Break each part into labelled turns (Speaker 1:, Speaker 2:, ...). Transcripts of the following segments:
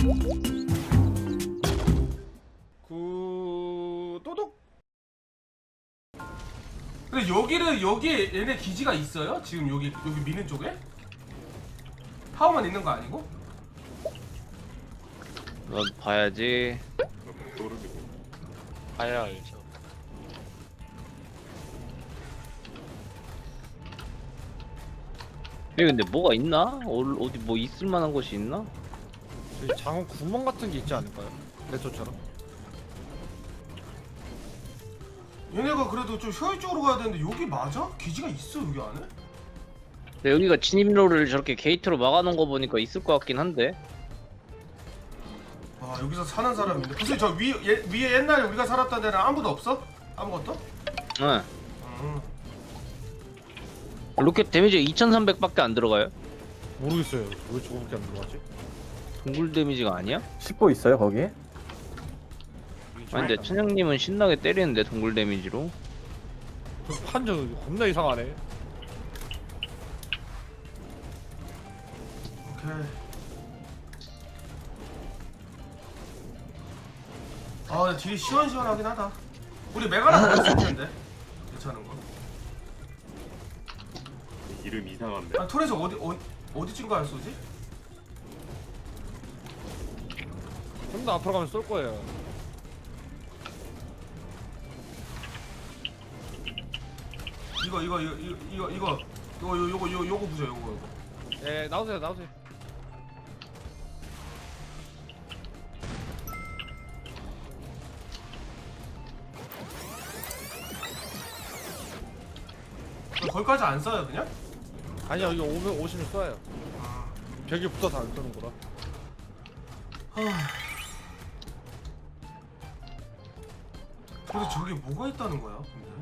Speaker 1: 또독. 근데 여기에 얘네 기지가 있어요? 지금 여기 미는 쪽에? 타워만 있는 거 아니고?
Speaker 2: 넌 봐야지.
Speaker 3: 모르겠고.
Speaker 4: 봐야 알죠.
Speaker 2: 여기 근데 뭐가 있나? 어디 뭐 있을 만한 곳이 있나?
Speaker 5: 저기 장원 구멍 같은 게 있지 않을까요? 레토처럼?
Speaker 1: 얘네가 그래도 좀 효율적으로 가야 되는데 여기 맞아? 기지가 있어 여기 안에?
Speaker 2: 근데 여기가 진입로를 저렇게 게이트로 막아놓은 거 보니까 있을 것 같긴 한데.
Speaker 1: 아 여기서 사는 사람이 있네. 무슨 저 위에 옛날에 우리가 살았던 데는 아무도 없어? 아무것도?
Speaker 2: 응.
Speaker 1: 음.
Speaker 2: 로켓 데미지 2300밖에 안 들어가요?
Speaker 5: 모르겠어요. 왜 저거밖에 안 들어가지?
Speaker 2: 동굴 데미지가 아니야?
Speaker 6: 10보 있어요 거기에?
Speaker 2: 아니 근데 천영님은 신나게 때리는데 동굴 데미지로.
Speaker 5: 저 판정 겁나 이상하네.
Speaker 1: 오케이. 아 근데 딜이 시원시원하긴 하다. 우리 메가나 먹었을 텐데 괜찮은 거.
Speaker 3: 이름 이상한데.
Speaker 1: 아 톨에서 어디쯤 가야 쏘지?
Speaker 5: 좀 더 앞으로 가면 쏠 거예요.
Speaker 1: 요거 부죠 요거.
Speaker 5: 예, 나오세요.
Speaker 1: 거기까지 안 써요 그냥?
Speaker 5: 아니요, 여기 오시면 쏴요. 벽에 붙어서 안 쏘는 거라.
Speaker 1: 근데 저기 뭐가 있다는 거야 근데?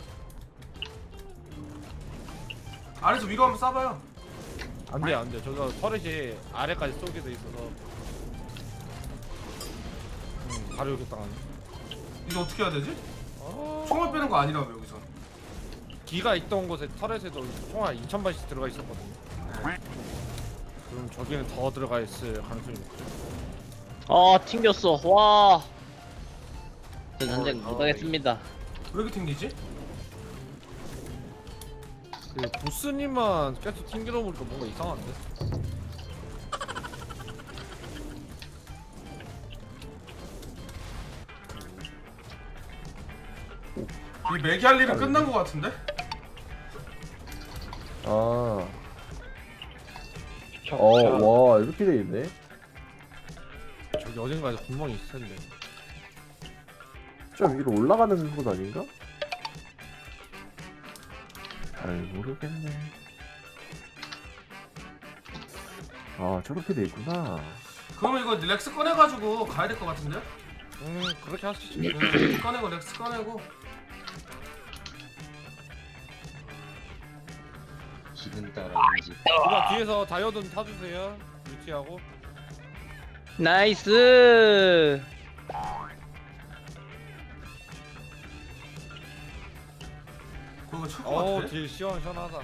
Speaker 1: 아래서 위로 한번 쏴봐요.
Speaker 5: 안 돼. 저거 터렛이 아래까지 쏘게 돼 있어서. 바로 여기 땅 안에.
Speaker 1: 이거 어떻게 해야 되지?
Speaker 5: 어...
Speaker 1: 총알 빼는 거 아니라며 여기서.
Speaker 5: 기가 있던 곳에 터렛에도 총알 2000발씩 들어가 있었거든요. 그럼 저기는 더 들어가 있을 가능성이 높죠.
Speaker 2: 아 튕겼어. 와. 전 전쟁 못하겠습니다.
Speaker 1: 왜 이렇게 튕기지?
Speaker 5: 그 보스님만 계속 튕기다 보니까 뭔가 이상한데?
Speaker 1: 이 매기 할 일은 끝난 거 같은데?
Speaker 6: 아. 와 이렇게 돼 있네.
Speaker 5: 저기 어딘가에 구멍이 있을 텐데.
Speaker 6: 좀 위로 올라가는 곳 아닌가? 잘 모르겠네. 아 저렇게 돼 있구나.
Speaker 1: 그러면 이거 렉스 꺼내가지고 가야 될 것 같은데?
Speaker 5: 그렇게 하시죠.
Speaker 1: 꺼내고 렉스 꺼내고.
Speaker 4: 기분 따라 움직.
Speaker 5: 누가 뒤에서 다이어든 타주세요. 유티하고.
Speaker 2: 나이스.
Speaker 1: 그거 칠것 같아.
Speaker 5: 딜 시원하다.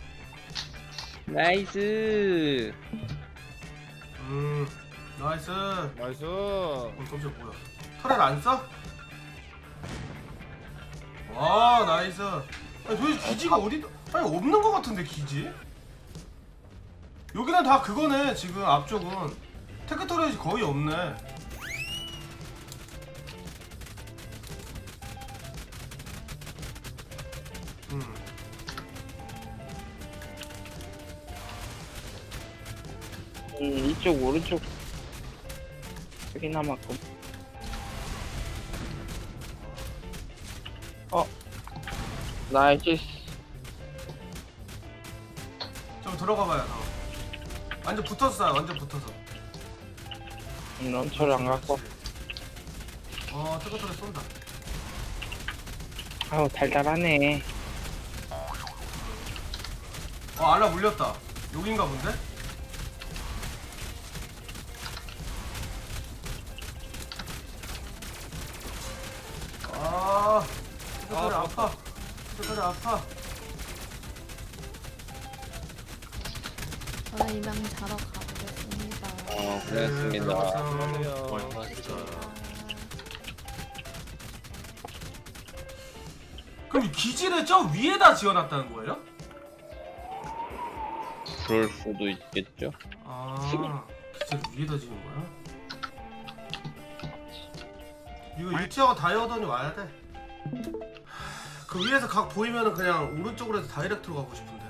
Speaker 2: 나이스.
Speaker 1: 나이스.
Speaker 5: 나이스.
Speaker 1: 잠시만 뭐야? 털을 안 써? 와 나이스. 아니 도대체 기지가 어디? 아니 없는 것 같은데 기지? 여기는 다 그거네 지금 앞쪽은 테크토리지 거의 없네.
Speaker 4: 이쪽 오른쪽 여기 남았고. 나이스.
Speaker 1: 좀 들어가봐요. 완전 붙었어, 완전 붙어서.
Speaker 4: 런처를 안 갖고.
Speaker 1: 테크토리 쏜다.
Speaker 4: 아우 달달하네.
Speaker 1: 알라 물렸다. 여긴가 본데? 테크토리 아파. 테크토리 아파.
Speaker 7: 저는 이만 자러 가보겠습니다.
Speaker 2: 고생했습니다.
Speaker 1: 들어가세요.
Speaker 5: 안녕하세요.
Speaker 1: 그럼 이 기지를 저 위에다 지어놨다는 거예요?
Speaker 2: 그럴 수도 있겠죠.
Speaker 1: 아, 기지를 위에다 지은 거야? 이거 유티하고 다이어던이 와야 돼. 그 위에서 각 보이면은 그냥 오른쪽으로 해서 다이렉트로 가고 싶은데.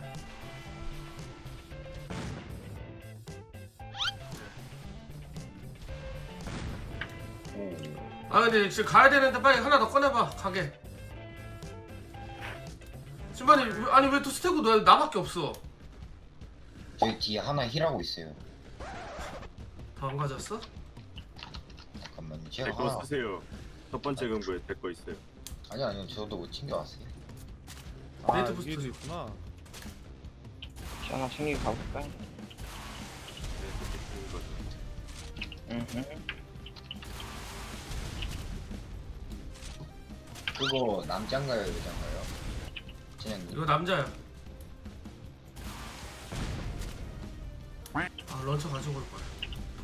Speaker 1: 아 근데 지금 가야 되는데 빨리 하나 더 꺼내봐. 가게. 신반님 아니 왜 또 스테고 너 나밖에 없어?
Speaker 7: 저희 뒤에 하나 힐하고 있어요.
Speaker 1: 더 안 가졌어?
Speaker 7: 잠깐만요. 제가
Speaker 3: 제거
Speaker 7: 하나
Speaker 3: 쓰세요. 첫 번째 근부에 제 거 있어요.
Speaker 7: 아니요 저도 못 챙겨왔어요.
Speaker 5: 아
Speaker 1: 네이트
Speaker 5: 이게
Speaker 1: 부스트.
Speaker 5: 있구나.
Speaker 4: 하나 챙기고 가볼까?
Speaker 3: 네, 그렇게 쓰는 거죠.
Speaker 7: 그거 남자인가요 여자인가요? 진영님.
Speaker 1: 이거 남자야. 아 런처 가지고 올 거야.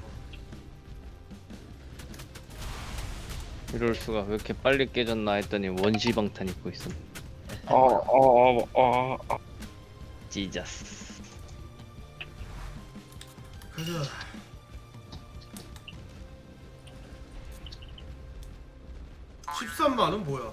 Speaker 2: 이럴 수가 왜 이렇게 빨리 깨졌나 했더니 원시방탄 입고 있었네. 지저스.
Speaker 1: 가자. (13만원) 뭐야?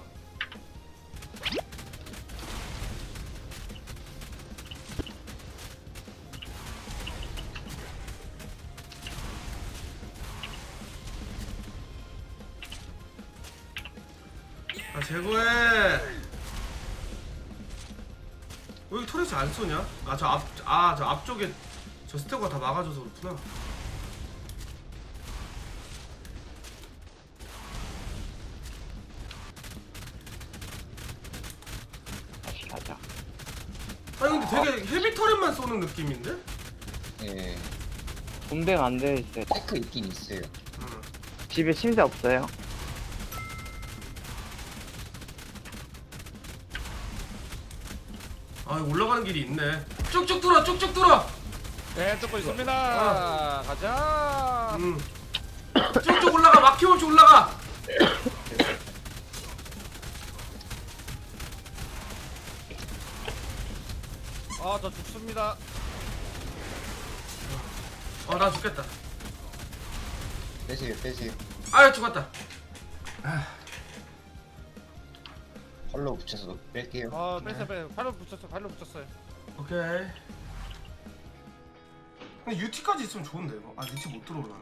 Speaker 1: 아 제거해. 왜 여기 터렛이 안 쏘냐? 아 저 앞쪽에 저 스테고가 다 막아줘서 그렇구나.
Speaker 4: 다시 가자.
Speaker 1: 아니 근데 되게 헤비 터렛만 쏘는 느낌인데?
Speaker 7: 예.
Speaker 4: 분배가 안 되어 있어요.
Speaker 7: 테크 있긴 있어요.
Speaker 1: 응.
Speaker 4: 집에 침대 없어요.
Speaker 1: 아 올라가는 길이 있네. 쭉쭉 뚫어 쭉쭉 뚫어.
Speaker 5: 네 뚫고 있습니다. 가자.
Speaker 1: 쭉쭉 올라가. 막힘없이 올라가.
Speaker 5: 아 저 죽습니다.
Speaker 1: 나 죽겠다.
Speaker 7: 빼세요.
Speaker 1: 아 죽었다.
Speaker 7: 컬러 붙여서 뺄게요.
Speaker 5: 아 빼세요. 발로 붙였어요.
Speaker 1: 오케이. 근데 UT까지 있으면 좋은데 이거. 아 UT 못 들어오려나?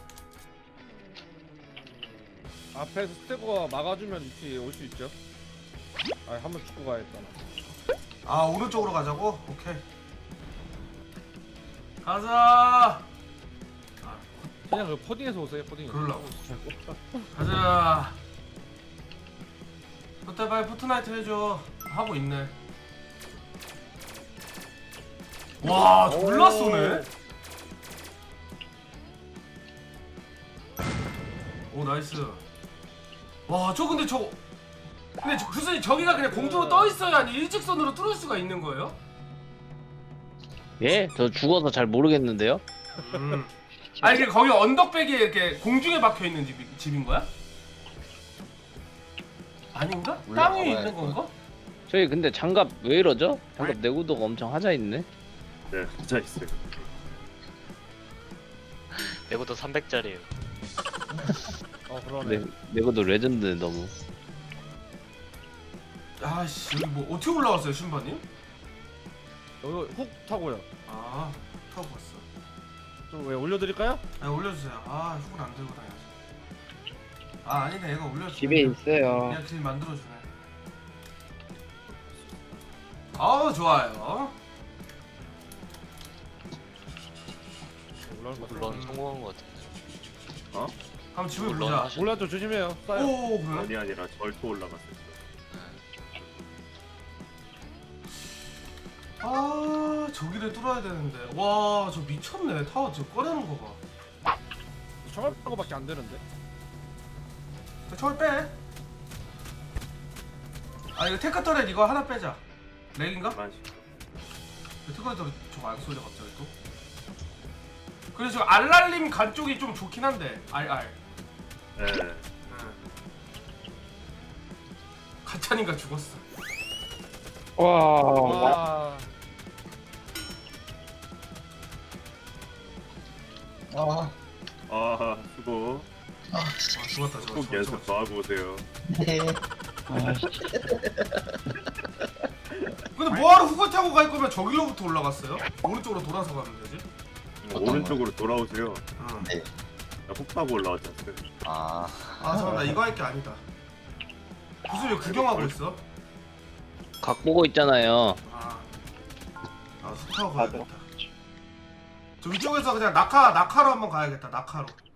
Speaker 5: 앞에서 스테고가 막아주면 이렇게 올 수 있죠. 아 한번 죽고 가야겠다.
Speaker 1: 아 오른쪽으로 가자고? 오케이. 가자.
Speaker 5: 그냥 그 포딩에서 오세요. 포딩에서.
Speaker 1: 그러려고. 가자. 그때 빨리 포트나이트 해줘. 하고 있네. 와 졸라 쏘네. 오 나이스. 와 저 근데 저거 근데 무슨 저기가 그냥 공중으로 떠 있어야 아니 일직선으로 뚫을 수가 있는 거예요?
Speaker 2: 예? 저 죽어서 잘 모르겠는데요.
Speaker 1: 아니 이게 거기 언덕백이 이렇게 공중에 박혀 있는 집인 거야? 아닌가? 땅 위에 있는 건가?
Speaker 2: 저희 근데 장갑 왜 이러죠? 장갑 내구도가 엄청 하자 있네.
Speaker 3: 네, 혼자 있어요.
Speaker 8: 내구도 300짜리에요.
Speaker 5: 그러네.
Speaker 2: 내구도 레전드 너무.
Speaker 1: 아씨 여기 뭐 어떻게 올라왔어요 신바님?
Speaker 5: 여기 훅 타고요.
Speaker 1: 아 타고 갔어.
Speaker 5: 좀 왜 올려드릴까요?
Speaker 1: 아니 올려주세요. 아 훅은 안 들고 다녀야지. 아 아니네 얘가 올려주네.
Speaker 4: 집에 있어요.
Speaker 1: 그냥 길 만들어주네. 아우 좋아요.
Speaker 5: 올라올 것
Speaker 8: 물론
Speaker 5: 같아요.
Speaker 8: 성공한 것 같아요.
Speaker 1: 한번 집을
Speaker 8: 물론
Speaker 1: 보자.
Speaker 8: 하시-
Speaker 5: 올라왔죠. 조심해요. 쏴요.
Speaker 1: 오 그래?
Speaker 3: 아니 아니라 절도 올라갔어요.
Speaker 1: 아 저기를 뚫어야 되는데. 와 저 미쳤네. 타워 지금 꺼내는 거 봐.
Speaker 5: 총알 거밖에 안 되는데.
Speaker 1: 저걸 빼. 아 이거 테크 터렛 이거 하나 빼자. 렉인가?
Speaker 3: 만씩.
Speaker 1: 테크 터렛 저거 안 쏘자 갑자기 또. 그래서 지금 알랄림 간 쪽이 좀 좋긴 한데. 알.
Speaker 3: 네.
Speaker 1: 가짜니까 죽었어.
Speaker 4: 와.
Speaker 7: 아,
Speaker 3: 아 수고.
Speaker 7: 아,
Speaker 1: 아, 죽었다
Speaker 3: 꼭 연습 더 하고 오세요.
Speaker 7: 네.
Speaker 4: 아씨.
Speaker 1: 근데 뭐하러 후보 타고 갈 거면 저길로부터 올라갔어요? 오른쪽으로 돌아서 가면 되지?
Speaker 7: 어떤
Speaker 3: 오른쪽으로 돌아오세요.
Speaker 1: 응.
Speaker 7: 네.
Speaker 3: 나훅 타고 올라왔지 않았어요?
Speaker 7: 아,
Speaker 1: 아 잠깐 나 이거 할 게 아니다. 무슨 왜 구경하고 있어?
Speaker 2: 각 보고 있잖아요.
Speaker 1: 아 후 타고 가야겠다. 저 위쪽에서 그냥 낙하로 한번 가야겠다. 낙하로.